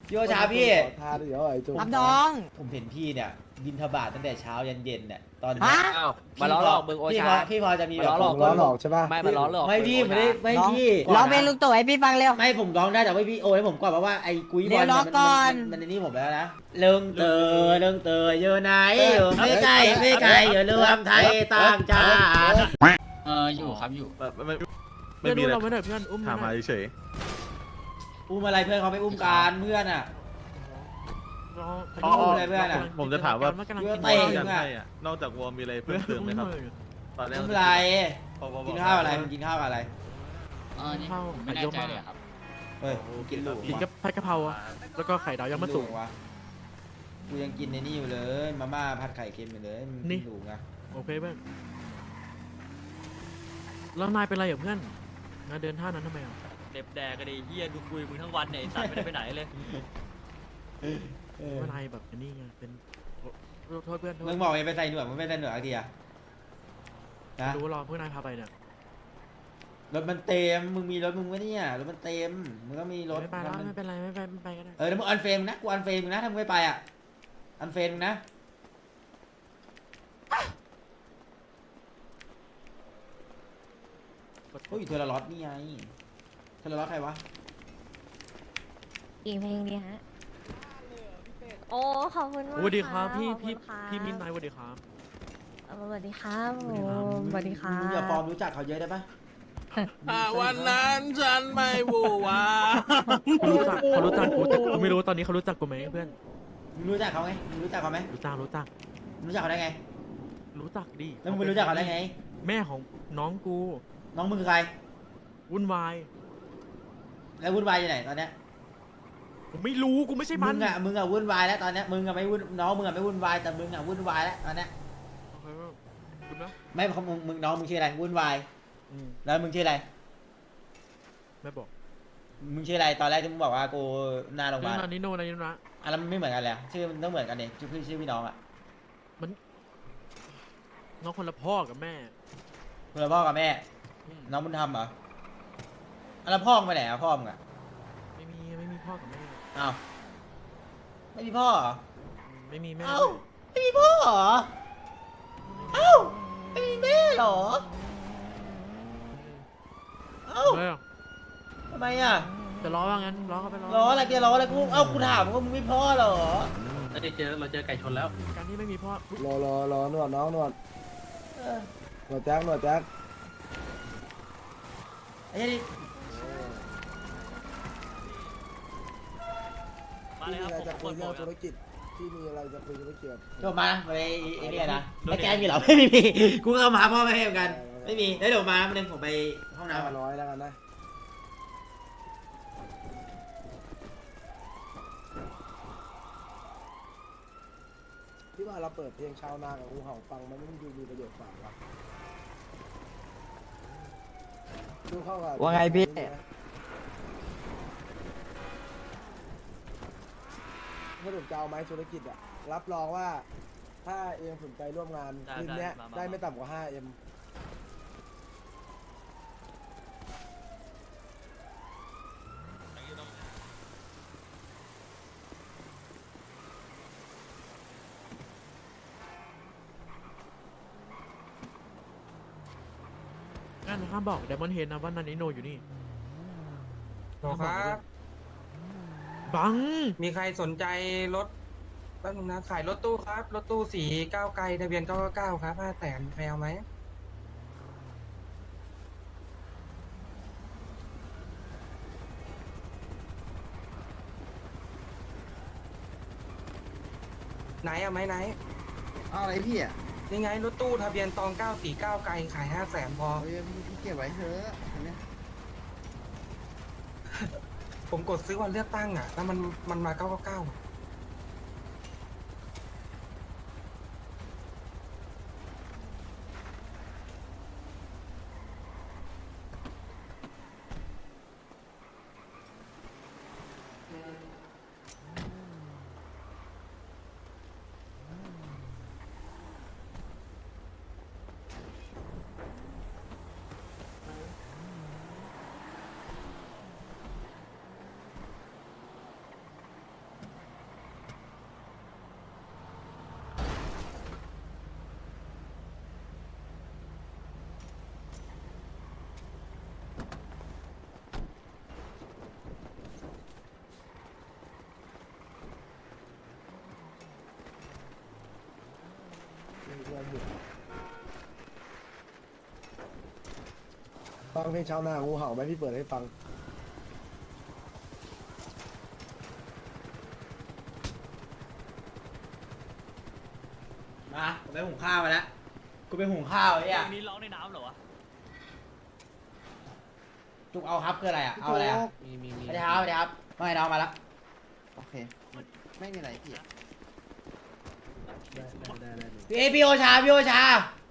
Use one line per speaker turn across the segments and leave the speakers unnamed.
โยชาพี่
ทานเดี๋ยวไอ้จุ๊
รับน้อง
ผมเห็นพี่เนี่ยบินทบาทตั้งแต่เช้ายันเย็นเนี่ยตอนนี้
ฮะ
อ้าวมาล้อหลอกมึงโอชา
พี่พอจะมีแบบ
มาล้อหลอก
ล้อหลอกใช่ป่ะ
ไม่มาล้อหลอก
ไม่พี่
มึง
ไม่
โอ
ได้
ชา
ไม่
ร้อง
พี่
ร้องเพลงลุงตู่ให้พี่ฟังเร็ว
ไม่ผมร้องได้แต่ว่าพี่โอ้ยผมก่อนเพราะว่าไอ้กุ้ยบอล
เดี๋ยวร้องก่อน
มันในนี่ผมแล้วนะเรื่องเตออยู่ไหนอยู่ไม่ไกลไม่ไกลอยู่รวมไทยต่างชาติ
อยู่ครับอยู่
ไม่มีอะไร
เราไม่ได้เพื่อนอุ้ม
ถามมาเฉย
อุ้มอะไรเพื่อนเขาไม่อุ้มการเพื่อนอ่ะ
อ๋อ
อะไรเพื่อนอะ
ผมจะถามว่า
กำลัง
เพื่
กิ
อน
น
เตะ
กันให้อะนอกจากวอลมีอะไรเพิ่มเติมไหมครับตอนแรก
อุ้มอะไร
พอบอก
กินข้าวอะไรมันกินข้าวอะไร
นี่ผมไม่แน่ใจเลยครับ
เฮ้ยกินหลู
กินกับผัดกะเพราอะแล้วก็ไข่ดาวยังมาสุก
วะกูยังกินในนี่อยู่เลยมาม่าผัดไข่เค็มอยู่เลยมัน
นี่
กินหลูไง
โอเคเพื่อนแล้วนายเป็นไรกับเพื่อนนายเดินท่านั้นทำไมอ่ะ
เด็บแดกกันดิเฮียดูคุยมึงทั้งวันเนี่ยไอ้สัตว์ไม่ได้ไปไหนเลย
ว่านายแบบอันนี้ไงเป็นโทษเพื่อนโทษ
มึงบอกเองไปใส่หนวดมึงไม่ใส่หนวดอะไรทีอะนะ
รู้ว่ารอเพื่อนนายพาไปเนี่ย
รถมันเต็มมึงมีรถมึงวะเนี่ยรถมันเต็มมึงก็มีรถ
ไม่ไปแล้วไม่เป็นไรไม่ไปก็ได้
แล้วมึงอันเฟรมนะกูอันเฟรมมึงนะถ้ามึงไม่ไปอ่ะอันเฟรมมึงนะโอ้ยเทอร์ล็อตนี่ไงเทอร์ล็อตใครวะ
อีกเพลงดีฮะ โอ้ ขอบคุณมาก
สวัสดีครับพี่
ขอบคุ
พี่
ณค่ะ
พี่มินนายสวัสดีครับ
สวัสดีครับ
สวัสดีครับ
สวัสดีครั
มึงอย่าฟอร์ม
บ
รู้จักเขาเยอะได้ปะ
วันนั้นฉันไม่วูวา
เขารู้จักกูแต่กูไม่รู้ตอนนี้เขารู้จักกูไหมเพื่อน
มึงรู้จักเขาไหมมึงรู้จักเขาไหม
รู้จัก
รู้จักเขาได้ไง
รู้จักดิ
แล้วมึงไม่รู้จักเขาได้ไง
แม่ของน้องกู
น้องมึงคือใคร
วุ่นวาย
แล้ววุ่นวายอยู่ไหนตอนเนี้ย
ผมไม่รู้กูไม่ใช่มั
มึ
น
งอะวุ่นวายแล้วตอนเนี้ยมึงอะไม่วุ่นน้องมึงอะไม่วุ่นวายแต่มึงอะวุ่นวายแล้วตอนเนี้ย
โอเคคุณนะ
ไม่เขามึงน้องมึงชื่ออะไรวุ่นวาย
อืม
แล้วมึงชื่ออะไร
ไม่บอก
มึงชื่ออะไรตอนแรกที่มึงบอกว่ากูหน้าโรงพยาบาล
นานิโนนะ
อ่ะแล้วมันไม่เหมือนกันเลยอะชื่อมันต้องเหมือนกันเนี่ยชื่อพี่น้องอะ
น้องคนละพ่อกับแม่
คุณพ่อกับแม่
อืม
น้องบุญธรรมเหรออ่ะแล้วพ่อมึงไปไหนอะพ่อมึงอะ
ไม่มีพ่อกับแม่
อ้าวไม่มีพ่อเหรอ
ไม่มีแม่
เอ้าไม่มีพ่อเหรอเอ้าไม่มีแม่เหรอเอ้า
เลยเหรอ
ทำไมอะ
จะล้อว่างั้นล้อเขาไปล้อ
ล้ออะไรแกล้ออะไรกูเอ้ากูถามว่ามึงมีพ่อเหรอ
เราเจอไก่ชนแล้ว
การที่ไม่มีพ่อ
รอนวดน้องนวด
เออน
วดแจ็คนวดแจ็ค
ไอ้เหี้ยนี่
มา
ที่
เลย
มี
ครับ
อะไร
ผม
จะ
ค
คุย
นบ
เรื่
อ
อก ง
ค
ธุ
รับ
รกิจที่มีอะไรจะคุยธุรกิจ
จบมาไปไอ้เนี่ยนะไอ้แกมีเหรอไม่มีกูก็เอามาพ่อไม่ให้เหมือนกันไม่มีได้เดี๋ยวมาเดี๋ยวผมไปห้องน้ำก่อน
500แล้วกันนะที่ว่าเราเปิดเพลงชาวนากับงูเห่าฟังมันไม่ดูมีประโยชน์กว่าวะดูเข้ากับ
ว่าไงพี่
สรุปจะเอาไหมธุรกิจอะรับรองว่า ถ้าเองสนใจร่วมงานคืนเนี้ยได้ไม่ต่ำกว่า 5M
งั้นห้ามบอกเดมอนเฮนนะว่านานิโนอยู่นี่
ครับ
บัง
มีใครสนใจรถแป๊บนึงนะขายรถตู้ครับ รถตู้สีก้าวไกลทะเบียน999ครับ500,000ใครเอาไหมไหนเอาไหมไหน
เอาอะไรพี่อ่ะ
นี่ไงรถตู้ทะเบียนตอง949ไกลขาย500,000พอ
พี่เก็บไว้เถอะอันเนี้ย
ผมกดซื้อวันเลือกตั้งอ่ะแล้วมันมา999อะ
ฟังเพลงชาวนางูเห่าไหมพี่เปิดให้ฟัง
มาผมไปหุงข้าวมาแล้วกูไปหุงข้าวไอ้
เพล
เนี่ย
งนี้ร้องในน้ำเหรอวะ
จุกเอาครับคืออะไรอ่ะเอาอะไรอ่ะ
มี
ไม่ได้ครับไม่ได้ครับไม่น้องมาแล้ว
โอเคไม่มีอะไรพี่
พี่โอชาพี่โอชา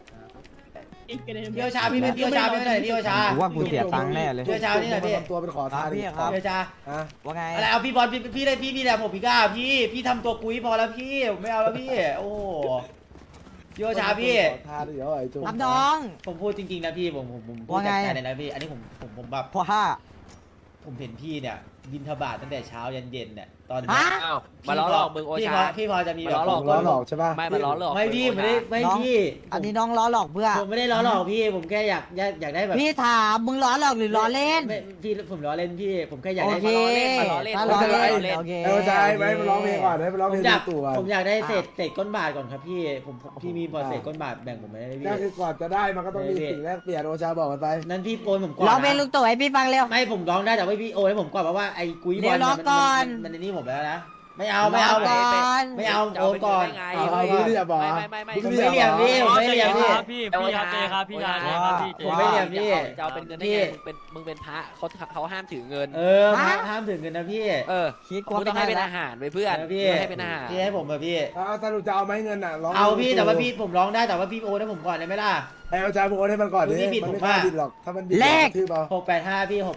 พี่โอชาพี่เป็นพี่โอชาพี่เป็นอะไรพี่โอชา
ว่ากูเสียตังค์แน่เลย
พี่โอชานี่ไหนพี่
ทำตัวเป็นขอทาน
พี่ครับ
พี่โอชา
ฮะ
ว่าไง
อะไรเอาพี่บอลพี่ได้พี่แหละผมพี่ก้าพี่ทำตัวกุ้ยพอแล้วพี่ไม่เอาแล้วพี่โอ้พี่โอชาพี่
ขอทานเดี๋ยวไอ้จุ๊
รับน้อง
ผมพูดจริงๆนะพี่ผมพูด
ว่าไง
จากใจเลยนะพี่อันนี้ผมแบบ
เพราะห้า
ผมเห็นพี่เนี่ยบินทบาทตั้งแต่เช้ายันเย็นเนี่ยตอน
ฮะ
อ้าวมาล้อหลอกมึงโอชา
พี่พอจะมีแบบ
มาล้อหลอก
ล้อหลอกใช่ป่ะ
ไม่มาล้อหลอก
ไม่พี่ไม่ได้ไม่
น้อง
พี่
อันนี้น้องล้อหลอกเพื่อ
ผมไม่ได้ล้อหลอกพี่ผมแค่อยากได้แบบ
พี่ถามมึงล้อหลอกหรือล้อเล่น
ไม่พี่ผมล้อเล่นพี่ผมแค่อยาก
โอ
ได้
เค
มาล้อเล่น
ถ้า
มา
ล้อ
ล้อ
เล่น
เล่น
โอเค
เออใจไหมมาร้องเพลงก่อนให้มาร้อง
ผ
เพล
ม
ง
อยาก
ตู่ก่อน
ผมอยากได้เศษก้นบาทก่อนครับพี่ผมพี่มีพอเศษก้นบาทแบ่งผมไม่ได้พี่
ก็คือก่อนจะได้มันก็ต้องมีสิ่งแรกเปลี่ยนโอชาบอกกันไป
นั้นพี่โอนผมก่อน
ร้องเพลงลุ
นะ
งตู่ให้พี่ฟังเร็ว
ไม่ผมร้องได้แต่ว่าพี่โอนให้ผมก่อนเพราะว่าไอ้กุ้ยบอล
เดี๋ยวรอ
เนี่ย
ก่อน
มันในนี่ผมแล้วนะไม่เอา
ร้องก่อน
ไม่เอาโอนก่อน
เอาดูดิอย่าบอก
ไม่
ผมไม่เหลี่ยมพี่ผมไม่เหลี่ยมพี่
พี่ครับเจครับพี่ชายครับพี่เจ
ผมไม่เหลี่ยมพี่
จะเอาเป็นเงินได้ไงมึงเป็นพระเขาห้ามถือเงิน
ห้ามถึงเงินนะพี่
คิดก
มึ
ว่าง
ต้องให้เป็น
ไม่
อาหารไปเพื่อน
พี่
มึงให้เป็นอาหาร
พี่ให้ผมเถอะพี่
เอาสรุปจะเอาไหมเงินอ่ะร้อง
เอาพี่แต่ว่าพี่ผมร้องได้แต่ว่าพี่โอนให้ผมก่อนได้ไหมล่ะ
ไอ้โอชาบอกให้มันก่อนดิ
พี่ผิด
มัน
ผม
ไม่กล้า
ว่า
บิดหรอกถ้ามันบิดชื่อเปล่า
685พี่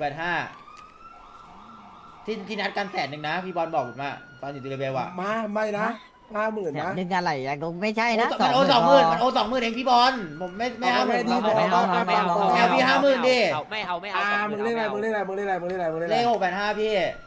685ที่นัดกัน100,000นะพี่บอลบอกผมอะตอนอยู่ที่เรเบลอะ
มาไม่นะ50,000
เนี่ย
นะ
นึกอะไรอย่างกูไม่ใช่นะ
มันโอน20,000มันโอน20,000เองพี่บอลผมไม่เอา
ไม่
ผม
ดี
ไม่เอา
ไม่เอา
เอาพี่50,000ดิ
ไม่เอา
มึงเล่นอะไรมึงเล่นอะไรมึงเล่นอะไรมึงเล่นอะไรมึงเล่น
เล
อะไร
ข685พี่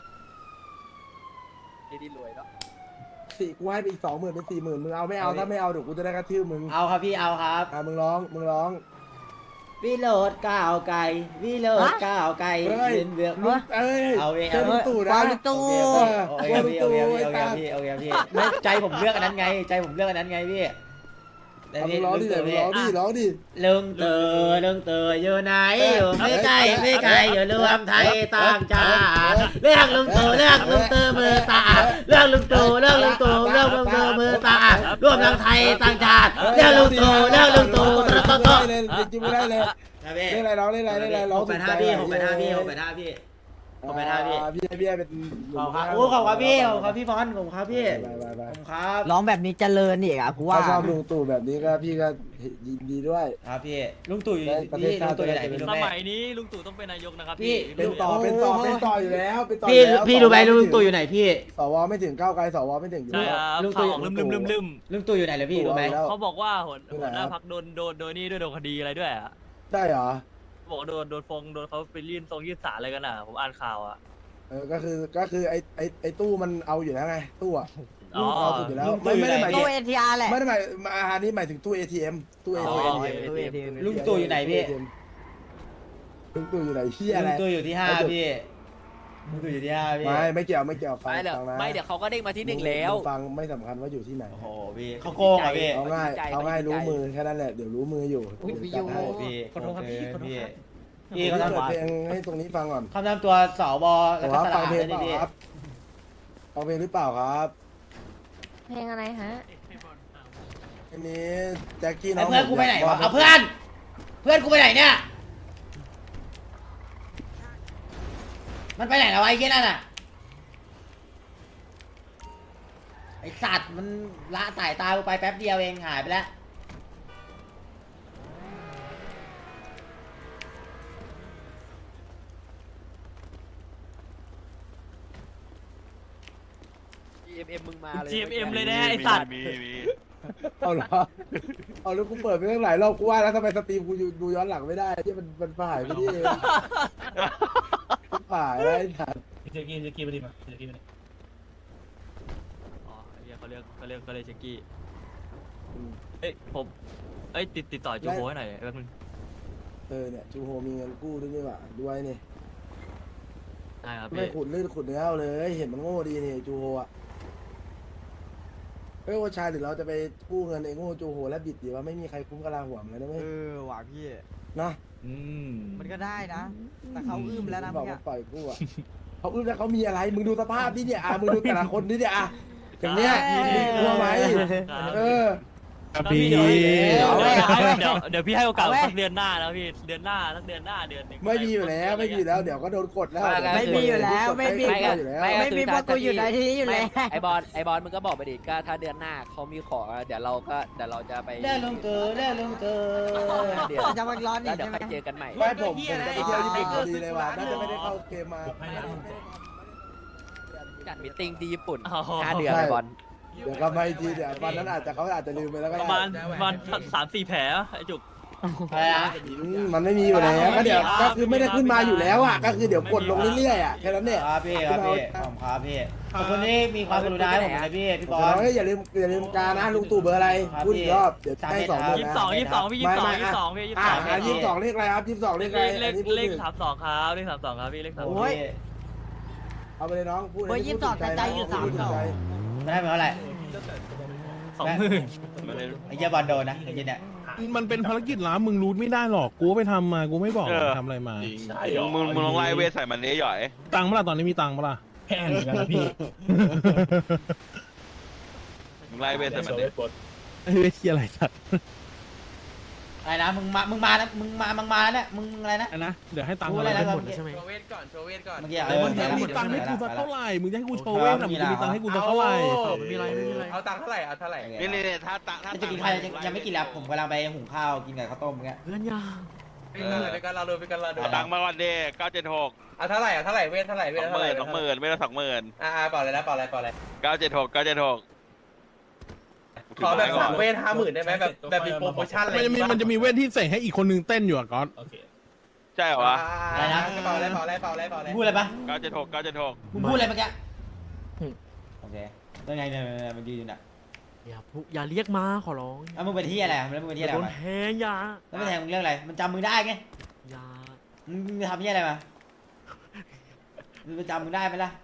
ดีรวยเนาะ
สี่กูให้ไปอีก20,000เป็น40,000มึงเอาไม่เอาถ้าไม่เอาเดี๋ยวกูจะได้กระทืบมึง
เอาครับพี่เอาครับ
มึงร้อง
วิโรดก้าวไก่วิโรดก้าวไก่
เฮ้ย
เป็นเบือก
ลุงเอ้ย
เอาเอง
เจอลุงตู่นะ
เอาลุงตู่
โอเคพี่โอเคพี่ไม่ใจผมเลือกอันนั้นไงใจผมเลือกอันนั้นไงพี่แต่
เอามึ
พี่
งร้องดิ
ลุง
เดี๋ยว
ตู่
มึง
พี่
ร้องดิ
เรื่องเตออยู่ไหนอยู่ไม่ไกลอยู่รวมไทยต่างชาติเรื่องลุงตู่มือตาเรื่องลุงตู่เรื่องมือตารวมทั้งไทยต่างชาติเรื่องลุงตู่โต
เลยจริงไม่ได้เลยเล่นอะไรร้องเล่นอะไรร้อง
685พี่685พี่พี่
พี่เป็น
ขอบครับโอ้ขอบครับพี่ขอบครับพี่บอลผมครับพี่
ไป
ผมครับ
ร้องแบบนี้เจริญอีกอ่ะกูว่า
ถ้าชอบลุงตู่แบบนี้ก็พี่ก็ยินดีด้วย
ครับพี่ลุงตู่อยู่
ประเทศ
พี่
ชา
ลุ
ติ
งตู่อยู่ไหนพี่
ส
รู้ไหม
มัยนี้ลุงตู่ต้องเป็นนายกนะครับ
พี่
เป็นต่ออยู่แล้วเป็นต่อ
พี่รู้ไหมลุงตู่อยู่ไหนพี่
สวไม่ถึงก้าวไกลสวไม่ถึงอยู่
ใช่
แล้ว
ครับ
ลุงตู่
ข่าวลืม
ลุงตู่อยู่ไหนเลยพี่รู้ไหม
เขาบอกว่าหัวหน้าพักโดนนี่ด้วยโดนคดีอะไรด้วยอ่ะ
ใช่เหรอ
บอกโดนเขาไปยื่นศาลอะไรกันอ่ะผมอ่านข่าวอ่ะ
ก็คือไอ้ตู้มันเอาอยู่แล้วไงตู้อะ
อ๋อ
เอาสุดอยู่แล้วไม่ได้หมาย
ตู้เอทีอาร์แหละ
ไม่ได้หมายอันนี้หมายถึงตู้ ATM ตู้
อ๋อ
ATM
ลุงตู่อยู่ไหนพี่
ลุงตู่อยู่ไหนเฮีย
ลุ
อะไร
งตู่อยู่ที่5พี่ลุงตู่อยู่ที่5พี่
ไม่เกี่ยวฟัง
ไม่เดี๋ยว
ฟังนะ
ไม่เดี๋ยวเขาก็เด้งมาที่1แล้ว
ฟังไม่สำคัญว่าอยู่ที่ไหน
โอ้โหพี่เขาโกงอ่ะพี่
เอาง่ายรู้มือแค่นั้นแหละเดี๋ยวรู้มืออยู่จัดให้
พี่ขอโทษครับพี่
พี่
พี่เขา
เปิ
ทำ
ดเพลงให้ตรงนี้ฟังก่อน
เขาทำตัวสบแล้วก็
ว่า
ส
ฟั
ลาง
เพลง
นี่
เปล่า
พี่
ครับฟังเพลงหรือเปล่าครับ
เพลงอะไรฮะ
อันนี้แจ็คกี้น้
ไอ้
อง
เพื่อนกูไปไหนวะเอาเพื่อนกูไปไหนเนี่ยมันไปไหนแล้วไอ้เหี้ยนั่นน่ะไอสัตว์มันละสายตากูไปแป๊บเดียวเองหายไปแล้ว
GMM มึงมาเลย
GMM เลยนะไอสัตว์
เอาเหรอเอาแล้วกูเปิดไปตั้งหลายรอบกูว่าแล้วทำไมสตรีมกูดูย้อนหลังไม่ได้ที่มันผ่ายไปที่เองผ่ายอะไรสัตว์
อ๋อเรียกเขาเรียกเช็กกี้ผมติดต่อจูโฮให้หน่อยแป๊บนึง
เนี่ยจูโฮมีเงินกู้ด้วยนี่หว่าด้วยนี่
ได้ครับ
ไม่
พี่
ขุดเนื้อเอาเลย เห็นมันโง่ดีนี่จูโฮอ่ะเฮ้ยโอชาหรือเราจะไปกู้เงินไอ้โง่จูโหและบิดดีว่าไม่มีใครคุ้มกะลาหัวมันเลยนะเว้ย
หว่ะพี่
เนาะ
มันก็ได้นะ แต่เขาอึ้มแล้วนะ
บ
เมื่
อ
อก กี้
ว่าปล่อยกู้อะเขาอึ้มแล้วเขามีอะไรมึงดูสภาพนี่เนี่ยมึงดูแต่ละคนนี่เนี่ยอย่างเนี้ยมีกลัวไหมเออ
ครับพี่เดี๋ยวพี่ให้โอกาส
เอาไว้
สักเดือนหน้าแล้วพี่เดือนหน้าสักเดือนหน้าเดือนหนึง
ไม่มีอยู่แล้วไม่มีอยู่แล้วเดี๋ยวก็โดนกดแล้ว
ไม่มีอยู่แล้วไม่มี
ไม่
อยู่แล้ว
ไม่มีพวกกูอยู่ในที่นี้อยู่แล้ว
ไอบอลมึงก็บอกไปดิก็ถ้าเดือนหน้าเขามีของเดี๋ยวเราจะไป
เรื่องลุงตู่เรื่องลุงตู่
เดี๋ยว
จะมาร้อนอี
แล้ว
ก
เดี๋ยว
ใช่ไหม
ค่อยเจอกันใหม่
ไม่ผมจะไปเที่ยวญี่ปุ่นพอดีเลยว่ะน่าจะไม่ได้เข้าเกมมา
จัดมิทติ้งที่ญี่ปุ่น
อ๋อ
5 เดือนไอบอล
เดี๋ยวกลับมาอีกทีเดี๋ยววันนั้นเขาอาจจะลืมไปแล้วก็
ประ
ได้
มาณ3-4 แผลไอ้จุก
อะไรนะ
มันไม่มีอยู่แล้วก็เดี๋ยวก็คือไม่ได้ขึ้นมาอยู่แล้วก็คือเดี๋ยวกดลงเรื่อยๆแค่นั้นเนี่ย
ครับพี่ครับพี่ขอบคุณครับพี่ขอบคุณที่มีความกรุณาให้ผมนะพี่บอล
อย่าลืมการนะลุงตู่เบอร์อะไรพูดอีกรอบเดี๋ยวให้2 เบอร์นะ
22พี่22พี่22
เลขอะไรครับ22เลขอะไร
เลข32ครับเลข32ครับพี่เลข
โอ้
32
ย
เอาไปเลยน้องพูด
เบอร์22แต่ใจอยู่32
ไม่ได้เป็นเท่าไหร่
20,000
ไอ้เหี้ยบอลโดนนะไอ้เหี้ยเนี่ย
มันเป็นภารกิจลับมึงรู้ไม่ได้หรอกกูไปทำมากูไม่บอกทำอะไรมา
มึงลองไล่เวทใส่มันนี้หย่อย
ตังค์เมื่อไหร่ตอนนี้มีตังค์เมื่อไหร่
แพงเหมือนกันนะพี่
มึงไล่เวทใส่มันนี้
เฮ้ยเชี่ยอะไรสัตว์
อะไรนะมึงมาแล้วมึงมาแล้วเนี่ยมึงอะไรนะ
อันนะเดี๋ยวให้ตังค์
พูด
อะไร
อะไรนะ
หมดแล้วใช่ไหม
โชว์เวทก่อนโชว์เวทก่อน
เมื่อกี้
มึงจะมีตังค์ให้กูสักเท่าไหร่มึงจะให้กูโชว์เว้ยมึงจะมีตังค์ให้กูสักเท่าไหร่
ไม่มีไรไม่มีไร
เอาตังค์เท่าไหร่เอาเท่าไหร่
นี่ถ้า
จะกินข้าวยังไม่กินแล้วผมกำลังไปหุงข้าวกินกับข้าวต้มเงี้ย
เพื่อนยา
ไปกันเราดูไปกันเราดู
ตังค์มาวันเดย์976
เอาเท่าไหร่เอาเท่าไหร่เวทเท่าไหร่เวทเท่าไหร่
20,000ไม่ละ20,000
เปล่าเลยนะเปล่าอะไรเปล่าอะไร
976
ขอแบบ3 เวท 50,000ได้ไหมแบบมีโปรโมชั่นอะไร
มันจะมีเวทที่เสกให้อีกคนนึงเต้นอยู่อ่ะก๊อต
ใช่เหรอวะ
เปล่าอะไรเปล่าอะไรเปล่าอะไรเปล่าอะไร
พูดอะไรปะ
976
มึงพูดอะไรเมื่อกี้โอเคยังไงเนี่ยมันยืนอยู่น่ะ
อย่าเรียกมาขอร้อง
แล้วมึงเป็นที่อะไรแล้วมึงเป็นที่อะไร
โดน
มา
แทงยา
แล้วไม่แทงมึงเรื่องอะไรมันจำมึงได้ไง
ยา
มึงทำที่อะไรมามึงจำมึงได้ไหมล่ะ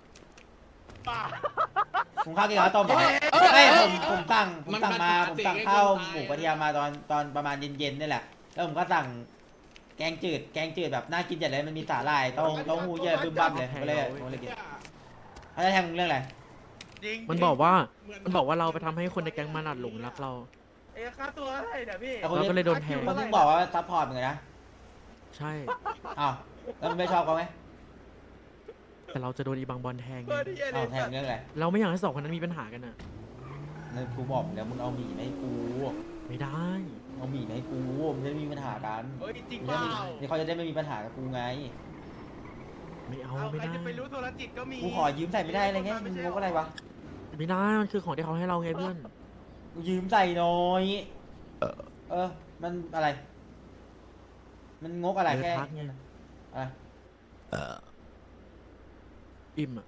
ผมข้าวกินข้าวต้มไม่ผมสั่งข้าวหมูกระเทียมมาตอนประมาณเย็นๆนี่แหละแล้วผมก็สั่งแกงจืดแบบน่ากินจัดเลยมันมีสาหร่ายเต้าหู้เยอะบึ้มบั้มเลยผมเลยกินเขาจะแทงมึงเรื่องอะไร
มันบอกว่าเราไปทำให้คนในแก๊งมันหลงรักเรา
ค่าตัวอะไรเดี๋ยวพี่
เราก็เลยโดนแทง
มึงบอกว่าซัพพอร์ตมึงนะ
ใช่
อ้าวแล้วมึงไม่ชอบเขาไหม
แต่เราจะโดนอีบางบอลแทงไง
อ้าวแทงเรื่องอะไร
เราไม่อยากให้2 คนนั้นมีปัญหากันอ่ะ
นั่นกูบอกแล้วมึงเอาหมี่มาให้กู
ไม่ได้
เอาหมี่มาให้กูมันจะได้ไม่มีปัญหากัน
จริงเปล่า
นี่เขาจะได้ไม่มีปัญหากับกูไง
ไม่เอาไม่ได้
จะไปรู้โทรจิตก็มี
กูขอยืมใส่ไม่ได้อะไรเงี้ยมึงงกอะไรวะ
ไม่ได้มันคือของที่เขาให้เราไงเพื่อน
กูยืมใส่หน่อยมันอะไร มันงกอะไรแค่
พักไง
อะไร
อิ่มอ่ะ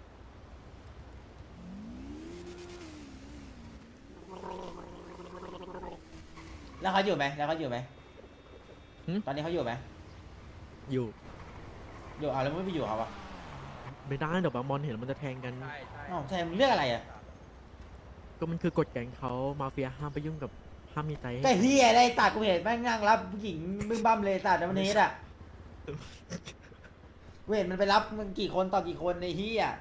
แล้วเขาอยู่ไหมตอนนี้เขาอยู่ไหม
อยู่
แล้วไม่ไปอยู่เขาอะ
ไม่ได้เดี๋ยวบางบอลเห็นมันจะแทงกัน
อ้าวแทนมึงเรื่องอะไรอะ
ก็มันคือกฎแก๊งเขามาเฟียห้ามไปยุ่งกับห้ามมีใจ
ก็เฮียได้ตัดกูเห็นแม่งนั่งรับผู้หญิงบึ้มบั้มเลยตัดในวันนี้อะกูเห็นมันไปรับมันกี่คนต่อกี่คนในเฮีย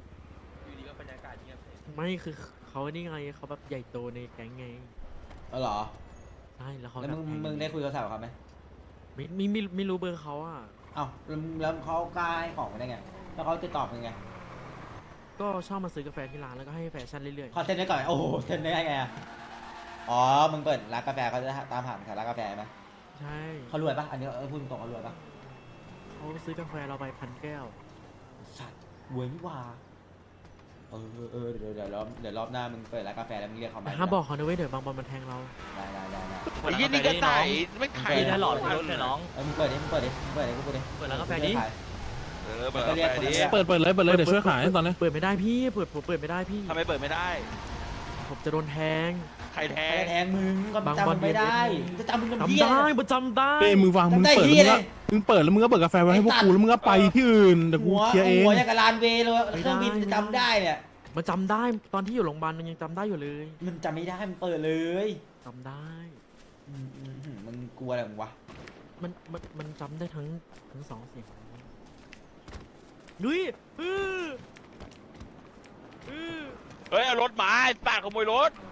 ไม่คือเขานี่ไงเขาแบบใหญ่โตในแก๊งไง
เหรอ
ใช่แล้วเขา
แล้วมึงได้คุยโทรศัพท์กับเขาไหม
ไม่รู้เบอร์เขาอ่ะ
อ้าวแล้วเขากล้าให้ของมาได้ไงแล้วเขาจะตอบยังไง
ก็ชอบมาซื้อกาแฟที่ร้านแล้วก็ให้แฟชั่นเรื่อย
ขอเซ็นได้ก่อนโอ้โหเซ็นได้ไงอะอ๋อมึงเปิดร้านกาแฟเขาจะตามหาแถวร้านกาแฟไหม
ๆใช่
เขารวยปะอันนี้พูดตรงเขารวยปะ
เขาซื้อกาแฟเราไป1,000 แก้ว
สัตว์รวยนี่หว่าเดี๋ยวรอบหน้ามึงเปิดร้านกาแฟแล้วมึงเรียกเขามา
ห้ามบอกเขานะเว้ยเดี๋ยวบางบอลมันแทงเรา
ได้
ไอ้ยี่นี่ก็ใส่ไม่ขาย
พี่ได้หลอดรถเลยน้อง
มึงเปิดดิกูพูดดิ
เปิดร้านกาแฟดิ
เปิดไปดิ
เปิดเลยเดี๋ยวช่วยขายตอนนี้
เปิดไม่ได้พี่ผมเปิดไม่ได้พี่
ทำไมเปิดไม่ได้
ผมจะโดนแทง
ใครแท
ใครง แทงมึงก็จำมึงไม่ได้จะจำมึง
จำ
เพี้ย
ได้ผมจำได้
เอ้ยมึงฟังมึงเปิดแล้วมึงก็เปิดกาแฟไว้ให้พวกกูแล้วมึงก็ไปที่อื่นเดี๋ยวกูเคลียร์เอง
หัวอย่างกับลานเวย์เลยเครื่องบินจะจำได้เนี่ย
มมันจำได้ตอนที่อยู่โรงพยาบาลมันยังจำได้อยู่เลย
มันจำไม่ได้มันเปิดเลย
จำได้
มันกลัวอะไรของวะ
มันจำได้ทั้งสองเสียงดุย
เฮ้ยเอารถมาไอ้ปาดขโมยรถ